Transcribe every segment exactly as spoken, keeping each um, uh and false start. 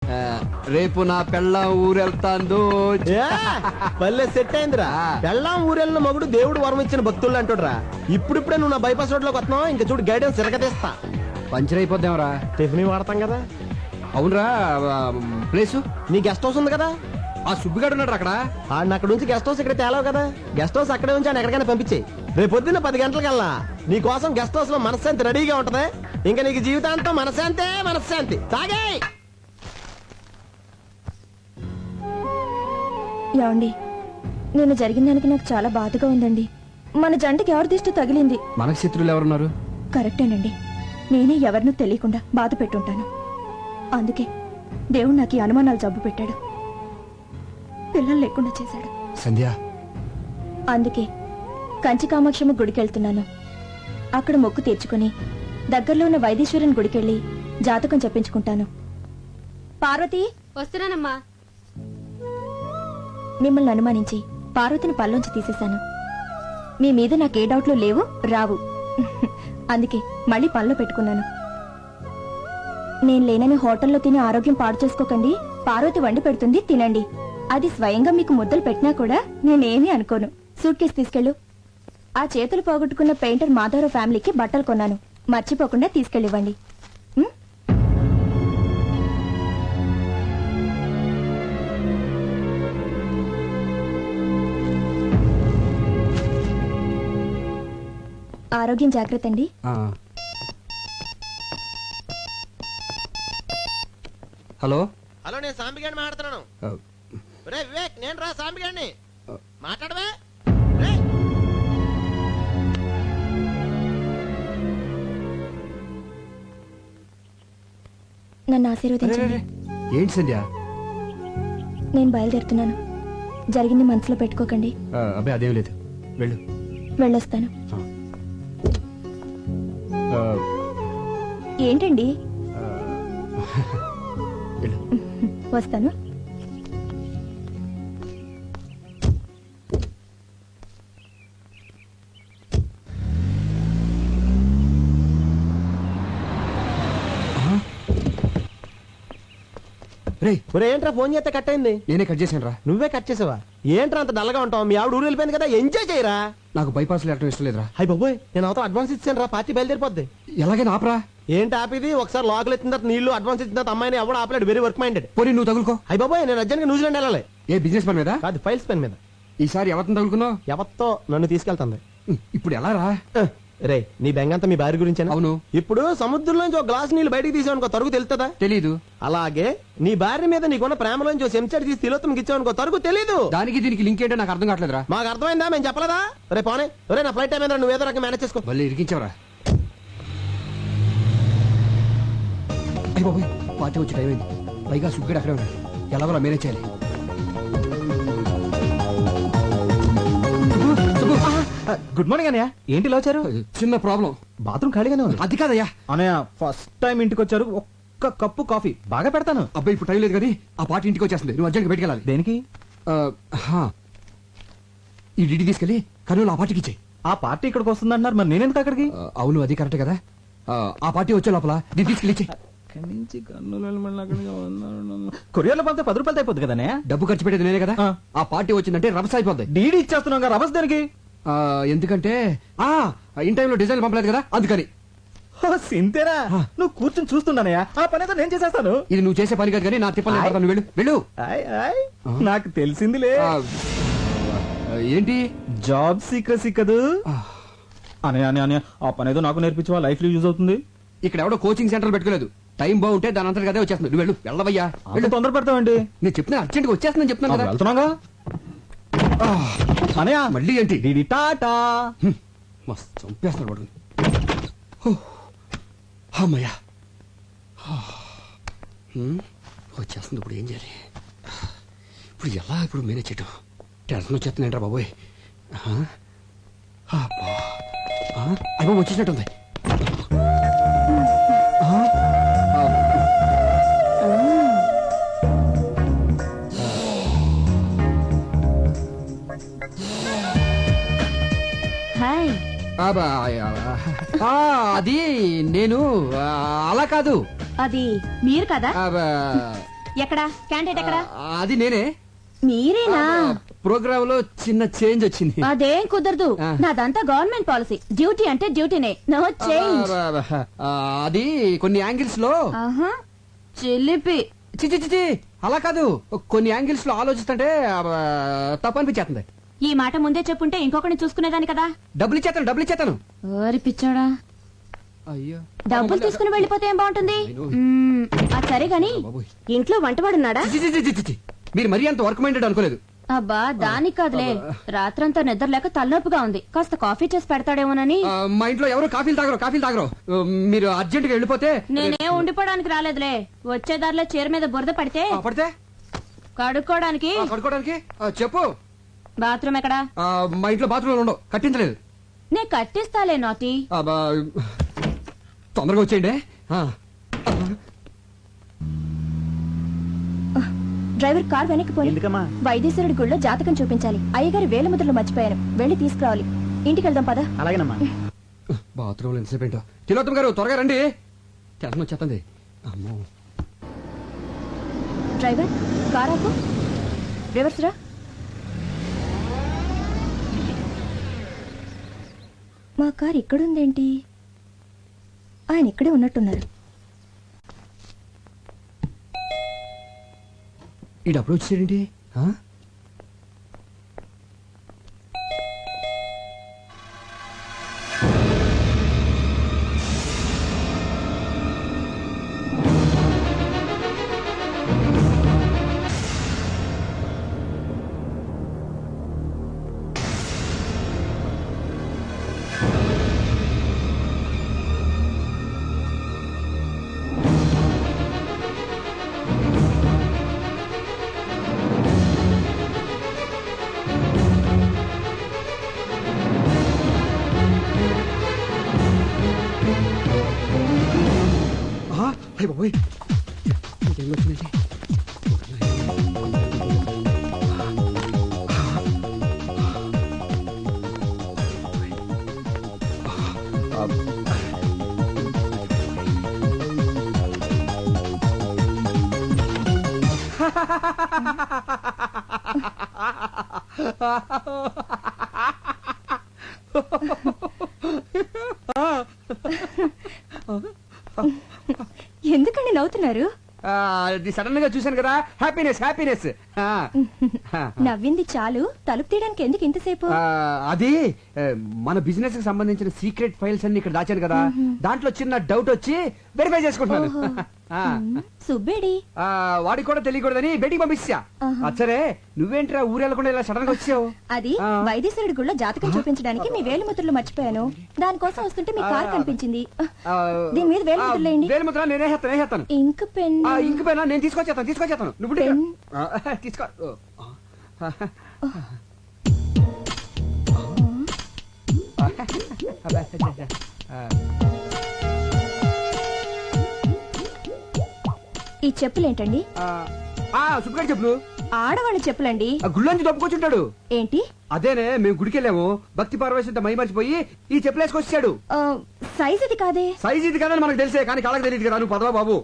రేపు నా పెళ్ళాం ఊరెళ్తాందో పల్లె సెట్ అయిందిరా. పెళ్ళాం ఊరెళ్ళిన మగుడు దేవుడు వరం ఇచ్చిన భక్తులు అంటుడ్రా. ఇప్పుడిప్పుడే నువ్వు నా బైపాస్ రోడ్ లోకి వస్తున్నావు, ఇంకా చూడు గైడెన్స్ తిరగతీస్తా. పంచర్ అయిపోద్దాంరా. టిఫిన్ వాడతాం కదా. అవునరా, ప్లేసు నీ గెస్ట్ హౌస్ ఉంది కదా, ఆ సుబ్బిగాడు ఉన్నాడు అక్కడ. ఆయన అక్కడ నుంచి గెస్ట్ హౌస్ ఇక్కడ తేలావు కదా, గెస్ట్ హౌస్ అక్కడే ఉంచి ఆయన ఎక్కడికైనా పంపించేయి. రేపు పొద్దున్న పది గంటలకల్లా నీ కోసం గెస్ట్ హౌస్ లో మనశ్శాంతి రెడీగా ఉంటది. ఇంకా నీకు జీవితాంతం మనశ్శాంతే మనశ్శాంతి. తాగే ఏమండి, నేను జరిగిన దానికి నాకు చాలా బాధగా ఉందండి. మన జంటకి ఎవరి దిష్టి తగిలింది? మనకు శత్రువులు ఎవరున్నారు? కరెక్టేనండి, నేనే ఎవరినూ తెలియకుండా బాధ పెట్టుంటాను. అందుకే దేవుడు నాకు ఈ అనుమానాలు జబ్బు పెట్టాడు, పిల్లలు లేకుండా చేశాడు. సంధ్య, అందుకే కంచి కామాక్షమ్మ గుడికెళ్తున్నాను. అక్కడ మొక్కు తీర్చుకుని దగ్గరలో ఉన్న వైదీశ్వరుని గుడికెళ్ళి జాతకం చెప్పించుకుంటాను. పార్వతి, వస్తున్నానమ్మా. మిమ్మల్ని అనుమానించి పార్వతిని పల్లోంచి తీసేశాను. మీ మీద నాకే డౌట్లు లేవు, రావు. అందుకే మళ్ళీ పనిలో పెట్టుకున్నాను. నేను లేనని హోటల్లో తిని ఆరోగ్యం పాడు చేసుకోకండి. పార్వతి వండి పెడుతుంది, తినండి. అది స్వయంగా మీకు ముద్దలు పెట్టినా కూడా నేనేమీ అనుకోను. సూట్ కేసు తీసుకెళ్ళు. ఆ చేతులు పోగొట్టుకున్న పెయింటర్ మాధవరావు ఫ్యామిలీకి బట్టలు కొన్నాను, మర్చిపోకుండా తీసుకెళ్ళివ్వండి. ఆరోగ్యం జాగ్రత్త అండి. హలో హలో, నేను సాంబిగాడిని మాట్లాడుతున్నాను. రే వివేక్, నేను రా సాంబిగాడిని. మాట్లాడవే. నన్ను ఆశీర్వదించండి. ఏంటి సంధ్య? నేను బయలుదేరుతున్నాను, జరిగింది మనసులో పెట్టుకోకండి. అబ్బాయి అదేం లేదు, వెళ్ళు. వెళ్ళొస్తాను. ఏంటండి? వస్తాను. ఏంట్రా ఫోన్ చేస్తే కట్ అయింది? నేనే కట్ చేశాను రా. నువ్వే కట్ చేసావా? ఏంట్రా అంత డల్గా ఉంటావు? మీ ఆవిడ ఊరు వెళ్ళిపోయింది కదా, ఎంజాయ్ చేయరా. నాకు బైపాస్ వెళ్ళటం ఇష్టం లేదురా. హై బాబోయ్, నేను అవతల అడ్వాన్స్ ఇచ్చాను రా, పార్టీ బయలుదేరిపోద్ది. ఎలాగైనా ఆపరా. ఏంటి ఆపిది? ఒకసారి లోకల్ ఎత్తిన తర్వాత నీళ్లు అడ్వాన్స్ ఇచ్చిన తర్వాత అమ్మాయిని ఎవడు ఆపలేడు. Very work minded. పోనీ నువ్వు తగులుకో. హై బాబోయ్, నేను అర్జెంట్ గా న్యూజిలాండ్ వెళ్ళాలి. ఏ బిజినెస్ పని మీద కాదు, ఫైల్స్ పని మీద. ఈసారి ఎవరిని తగులుకున్నావు? ఎవరితో నన్ను తీసుకెళ్తుంది. ఇప్పుడు ఎలా రా? రే, నీ బెంగంతా మీ భార్య గురించి. అవును. ఇప్పుడు సముద్రంలోంచి ఒక గ్లాస్ నీళ్ళు బయటికి తీసావనుకో, తరుగు తెలుస్తుందా? తెలీదు. అలాగే నీ భార్య మీద నీకున్న ప్రేమలోంచి ఒక చెంచాడు తీసి తిలోత్తంకి ఇచ్చావనుకో, తరుగు తెలీదు. దానికి దీనికి లింక్ ఏంటో నాకు అర్థం కావట్లేదురా. మాకు అర్థమైందా? మేము చెప్పలేదా? రే పోనే, రే నా ఫ్లైట్ టైం ఏదో నువ్వు ఏదో రకం మేనేజ్ చేసుకో. మళ్ళీ ఇరికించావరా? అయ్య బాబోయ్, పార్టీ వచ్చి టైం అయింది. పైగా సుగ్గడు అక్కడే ఉన్నాడు. ఎలాగోలా మేనేజ్ చేయాలి. గుడ్ మార్నింగ్ అన్నయ్య. ఏంటి ఇలా వచ్చారు? చిన్న ప్రాబ్లం. బాత్రూమ్ ఖాళీగానే ఉంది. అది కాదయ్యా. అన్నయ్య, ఫస్ట్ టైం ఇంటికి వచ్చారు, ఒక్క కప్పు కాఫీ బాగా పెడతాను. అబ్బాయి ఇప్పుడు టైం లేదు కానీ ఆ పార్టీ ఇంటికి వచ్చేస్తుంది. నువ్వు అర్జెంట్గా బయటికి వెళ్ళాలి. దేనికి? ఈ డిడి తీసుకెళ్ళి కర్నూలు ఆ పార్టీకి ఇచ్చేయి. ఆ పార్టీ ఇక్కడికి వస్తుంది అంటున్నారు, మరి నేనెందుకు అక్కడికి? అవును, అది కరెక్ట్ కదా. ఆ పార్టీ వచ్చే లోపల దీన్ని తీసుకెళ్ళి ఇచ్చేయి. కొరియర్లో పంపితే పది రూపాయలు అయిపోద్ది కదా. డబ్బు ఖర్చు పెట్టేది నేనే కదా. ఆ పార్టీ వచ్చిందంటే రభస అయిపోద్ది. డీడీ ఇచ్చేస్తున్నాం కదా, రభస దేనికి? ఎందుకంటే ఆ ఇన్ టైంలో డిజైన్ పంపలేదు కదా, అందుకని. సింతేనా? నువ్వు కూర్చొని చూస్తున్నానయ్యా, ఆ పని అయితే నేను చేసేస్తాను. ఇది నువ్వు చేసే పని కాదు కానీ నా తిప్పలు వెళ్ళు వెళ్ళు. నాకు తెలిసిందిలే. ఏంటి? జాబ్ సీక్రసీ కదూ. అనే అనే అనే ఆ పని ఏదో నాకు నేర్పించవా, లైఫ్ లో యూజ్ అవుతుంది. ఇక్కడ ఎవడో కోచింగ్ సెంటర్ పెట్టుకోలేదు. టైం బాగుంటే దాని అంతా కదే వచ్చేస్తుంది. నువ్వు వెళ్ళు, వెళ్ళవయ్యా. వెళ్ళి తొందర పెడతావండి. నేను చెప్తున్నా, అర్జెంట్ గా వచ్చేస్తుందని చెప్తున్నాను కదా. వెళ్తున్నాగా అనయా. మళ్ళీ ఏంటి? DD tata. మస్తు చంపేస్తున్నాడు వాడు. అమ్మయ్యా, వచ్చేస్తుంది. ఇప్పుడు ఏం చేయాలి? ఇప్పుడు ఎలా ఇప్పుడు మేనేజ్ చేయటం? టెన్షన్ వచ్చేస్తుందంటారా బాబోయ్. అయ్యో వచ్చేసినట్టుంది. అది నేను అలా కాదు. అది మీరు కదా. ఎక్కడా క్యాండిడేట్ ఎక్కడా? అది నేనే. మీరేనా? ప్రోగ్రామ్ లో చిన్న చేంజ్ వచ్చింది. అదేం కుదరదు, నాదంతా గవర్నమెంట్ పాలసీ. డ్యూటీ అంటే డ్యూటీనే, నో చేంజ్. అది కొన్ని యాంగిల్స్ లో చిలిపి. చిచి చిచి అలా కాదు, కొన్ని యాంగిల్స్ లో ఆలోచిస్తుంటే తప్పనిపించేస్తుంది. ఈ మాట ముందే చెప్పుంటే ఇంకొకరిని చూసుకునేదాని కదా. డబ్బులు ఇచ్చేతాను, డబ్బులు ఇచ్చేతాను. ఓరి పిచ్చోడా, అయ్యో డబ్బులు తీసుకుని వెళ్ళిపోతే ఏం బాగుంటుంది? మ్మ్, అది సరే గాని ఇంట్లో వంటవాడున్నాడా? చి, చి, చి, చి, చి, చి. మీరు మరీ అంత వర్క్ మైండెడ్ అనుకోలేదు. అబ్బా దానికి కాదులే, రాత్రంతా నిద్ర లేక తలనొప్పిగా ఉంది, కాస్త కాఫీ చేసి పెడతాడేమోనని. ఆ, మా ఇంట్లో ఎవరు కాఫీలు తాగరు, కాఫీలు తాగరు. ఆ, మీరు అర్జెంట్ గా వెళ్ళిపోతే. నేనేం ఉండిపోవడానికి రాలేదులే, వచ్చే దారిలో చీర మీద బురద పడితే ఆ, పడితే కడుక్కోవడానికి. ఆ, కడుక్కోవడానికి ఆ, చెప్పు. బాత్రూమ్ ఎక్కడా? ఆ, మా ఇంట్లో బాత్రూమ్ ఉండవు, కట్టించలేదు. నే కట్టిస్తాలే నాటి. ఆ, బా, తొందరగా వచ్చేయండి. ఆ. డ్రైవర్ కార్ వెనక్కి పోయి ఎందుకమ్మా? వైద్యశ్వరుడి గుళ్ళో జాతకం చూపించాలి. అయ్యగారి వేల ముద్రలు మర్చిపోయాను, వెళ్ళి తీసుకురావాలి. ఇంటికి వెళ్దాం పద. అలాగేనమ్మా. బాత్రూమ్ లో ఎంతసేపు ఏంటో. తిలోత్తమ్ గారు త్వరగా రండి, టెన్షన్ వచ్చేస్తుంది. అమ్మో. డ్రైవర్ కార్ ఆపు, రివర్స్ రా. మా కార్ ఇక్కడుందేంటి? ఆయన ఇక్కడే ఉన్నట్టున్నారు. ఈ డబ్బులు వచ్చేసేయండి. బాబోయ్, ఇంకేం వచ్చిందండి? ఎందుకండి నవ్వుతున్నారు? అది సడన్ గా చూశాను కదా, హ్యాపీనెస్ హ్యాపీనెస్. నవ్వింది చాలు, తలుపు తీయడానికి ఎందుకు ఇంతసేపు? అది మన బిజినెస్ కి సంబంధించిన సీక్రెట్ ఫైల్స్ అన్ని ఇక్కడ దాచాను కదా, దాంట్లో చిన్న డౌట్ వచ్చి వెరిఫై చేసుకుంటున్నాను. సుబ్బేడి వాడికి కూడా తెలియకూడదని బయటికి పంపించా. సరే నువ్వేంట్రా ఊరెళ్ళకుండా ఇలా సడన్ గా వచ్చావు? అది వైద్యశ్వరుడి గుళ్ళో జాతకం చూపించడానికి మీ వేలుముద్రలు మర్చిపోయాను, దానికోసం వస్తుంటే మీ కార్ కనిపించింది. దీని మీద వేలుముద్రలు వేయండి. వేలుముద్ర నేనే హేస్తాను, నేనేస్తాను. ఇంక్ పెన్ ఇంక పెన్ నేను తీసుకొచ్చేస్తాను, తీసుకొచ్చేస్తాను. నువ్వు తీసుకో. ఈ చెప్పులేంటండి? సుబ్బగారి చెప్పులు. ఆడవాళ్ళ చెప్పులండి. గుళ్ళంచి దొప్పుకొచ్చుంటాడు. ఏంటి? అదేనే, మేము గుడికెళ్ళాము, భక్తి పార్వశంతో మై మర్చిపోయి ఈ చెప్పులు వేసుకొచ్చాడు. సైజ్ ఇది కాదే. సైజ్ ఇది కాదని మనకు తెలిసే, కానీ కాళ్ళకి తెలియదు కదా. నువ్వు పదవా బాబు.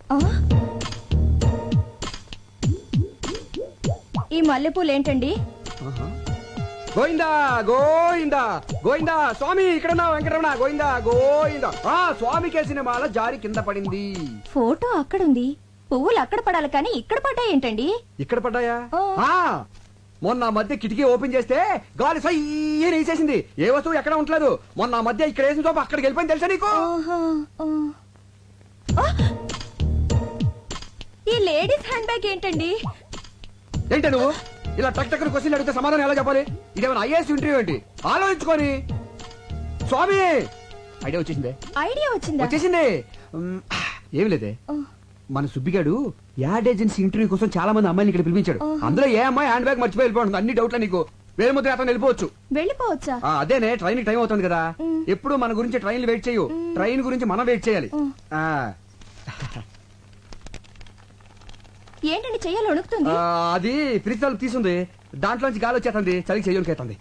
ఈ మల్లెపూలు ఏంటండి? గోయిందా గోయిందా గోయిందా స్వామి, ఇక్కడ వెంకటరమణ గోయిందా గోయిందా. ఆ స్వామి కేసిన మాల జారి కింద పడింది. ఫోటో అక్కడుంది, పువ్వులు అక్కడ పడాలి కానీ ఇక్కడ పడ్డాయి ఏంటండి? ఇక్కడ పడ్డాయా? మొన్న మధ్య కిటికీ ఓపెన్ చేస్తే గాలి సయ్యని వేసేసింది. ఏ వస్తువు ఎక్కడ ఉండలేదు. మొన్న మధ్య ఇక్కడ వేసిన చోప అక్కడికి వెళ్ళిపోయింది, తెలుసా నీకు? ఈ లేడీస్ హ్యాండ్ బ్యాగ్ ఏంటండి? ఏంటి నువ్వు ఇలా టక్ టక్ క్వశ్చన్ అడిగితే సమాధానం ఎలా చెప్పాలి? ఇదేమైనా ఐఏఎస్ ఇంటర్వ్యూ ఏంటి? ఆలోచించుకొని. స్వామి ఐడియా వచ్చేసిందే. ఐడియా వచ్చిందా? వచ్చేసింది. ఏమి లేదే, మన సుబ్బిగాడు యాడ్ ఏజెన్సీ ఇంటర్వ్యూ కోసం చాలా మంది అమ్మాయిని ఇక్కడ పిలిపించాడు. అందులో ఏ అమ్మాయి హ్యాండ్ బ్యాగ్ మర్చిపోయి వెళ్ళిపోతుంది. అన్ని డౌట్లా నీకు? వేరే ముద్ర అతను వెళ్ళిపోవచ్చు. వెళ్ళిపోవచ్చా? అదేనే, ట్రైన్ టైం అవుతుంది కదా. ఎప్పుడు మన గురించి ట్రైన్లు వెయిట్ చేయు, ట్రైన్ గురించి మనం వెయిట్ చేయాలి. ఏంటండి చెయ్యాలి వణుకుతుంది? అది ఫ్రిడ్జ్ తలుపు తీసుంది, దాంట్లోంచి గాలి వచ్చేస్తుంది, చలికి చెయ్యనికేస్తుంది.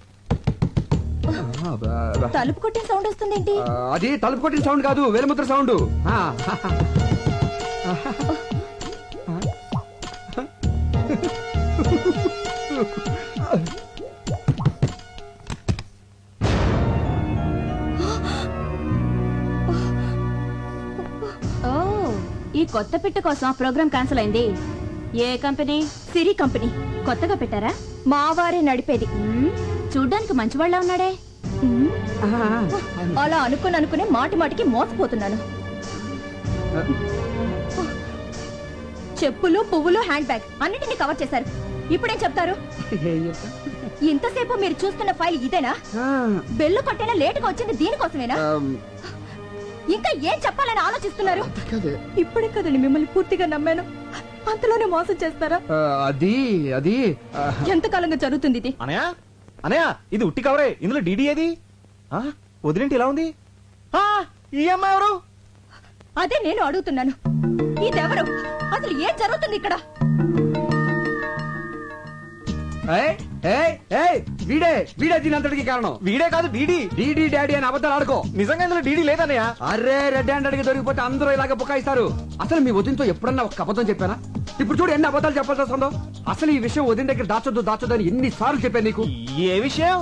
తలుపు కొట్టిన సౌండ్ వస్తుంది ఏంటి? అది తలుపు కొట్టిన సౌండ్ కాదు, వేలుముద్ర సౌండ్. కొత్త పిట్ట కోసం ఆ ప్రోగ్రామ్ క్యాన్సిల్ అయింది. ఏ కంపెనీ? సిరి కంపెనీ. కొత్తగా పెట్టారా? మా వారే నడిపేది. చూడ్డానికి మంచివాళ్ళ ఉన్నాడే. మ్మ్. అలా అనుకుని అనుకునే మాటి మాటికి మోసపోతున్నాను. చెప్పులు, పువ్వులు, హ్యాండ్ బ్యాగ్ అన్నిటిని కవర్ చేశారు. ఇప్పుడేం చెప్తారు? ఏం చెప్తా? ఇంతసేపు మీరు చూస్తున్న ఫైల్ ఇదేనా? ఆ, బెల్లు కొట్టైనా లేటుగా వచ్చింది దీనికోసమేనా? ఆమ్, ఇంకా ఏం చెప్పాలని ఆలోచిస్తున్నారు? కాదే. ఇప్పుడే కదండి మిమ్మల్ని పూర్తిగా నమ్మాను. అంతలోనే మోసం చేస్తారా? ఆ, అది అది ఆ, ఎంతకాలంగా జరుగుతుంది ఇది? అనయా అనయా ఇది ఉట్టి కవరే, ఇందులో డీడీ ఏది? ఆ, వదిలేంటి ఇలా ఉంది? ఆ, ఈ అమ్మాయి ఎవరు? అదే నేను అడుగుతున్నాను. ఇదెవరు? అసలు ఏం జరుగుతుంది ఇక్కడ? ఏయ్, ఏయ్, ఏయ్, వీడే వీడే దీని అంతటికి కారణం. వీడే కాదు డీడీ. డీడీ డాడీ అని అబద్ధాలు ఆడుకో. నిజంగా ఇందులో డీడీ లేదన్నయ్య. అరే రెడ్ హ్యాండ్ అడిగి దొరికిపోతే అందరూ ఇలాగ బుకాయిస్తారు. అసలు మీ వదినతో ఎప్పుడన్నా ఒక అబద్ధం చెప్పానా? ఇప్పుడు చూడు ఎన్ని అబద్ధాలు చెప్పాల్సి వస్తుందో. అసలు ఈ విషయం వదిన దగ్గర దాచొద్దు దాచొద్దు అని ఎన్ని సార్లు చెప్పాను నీకు. ఏ విషయం?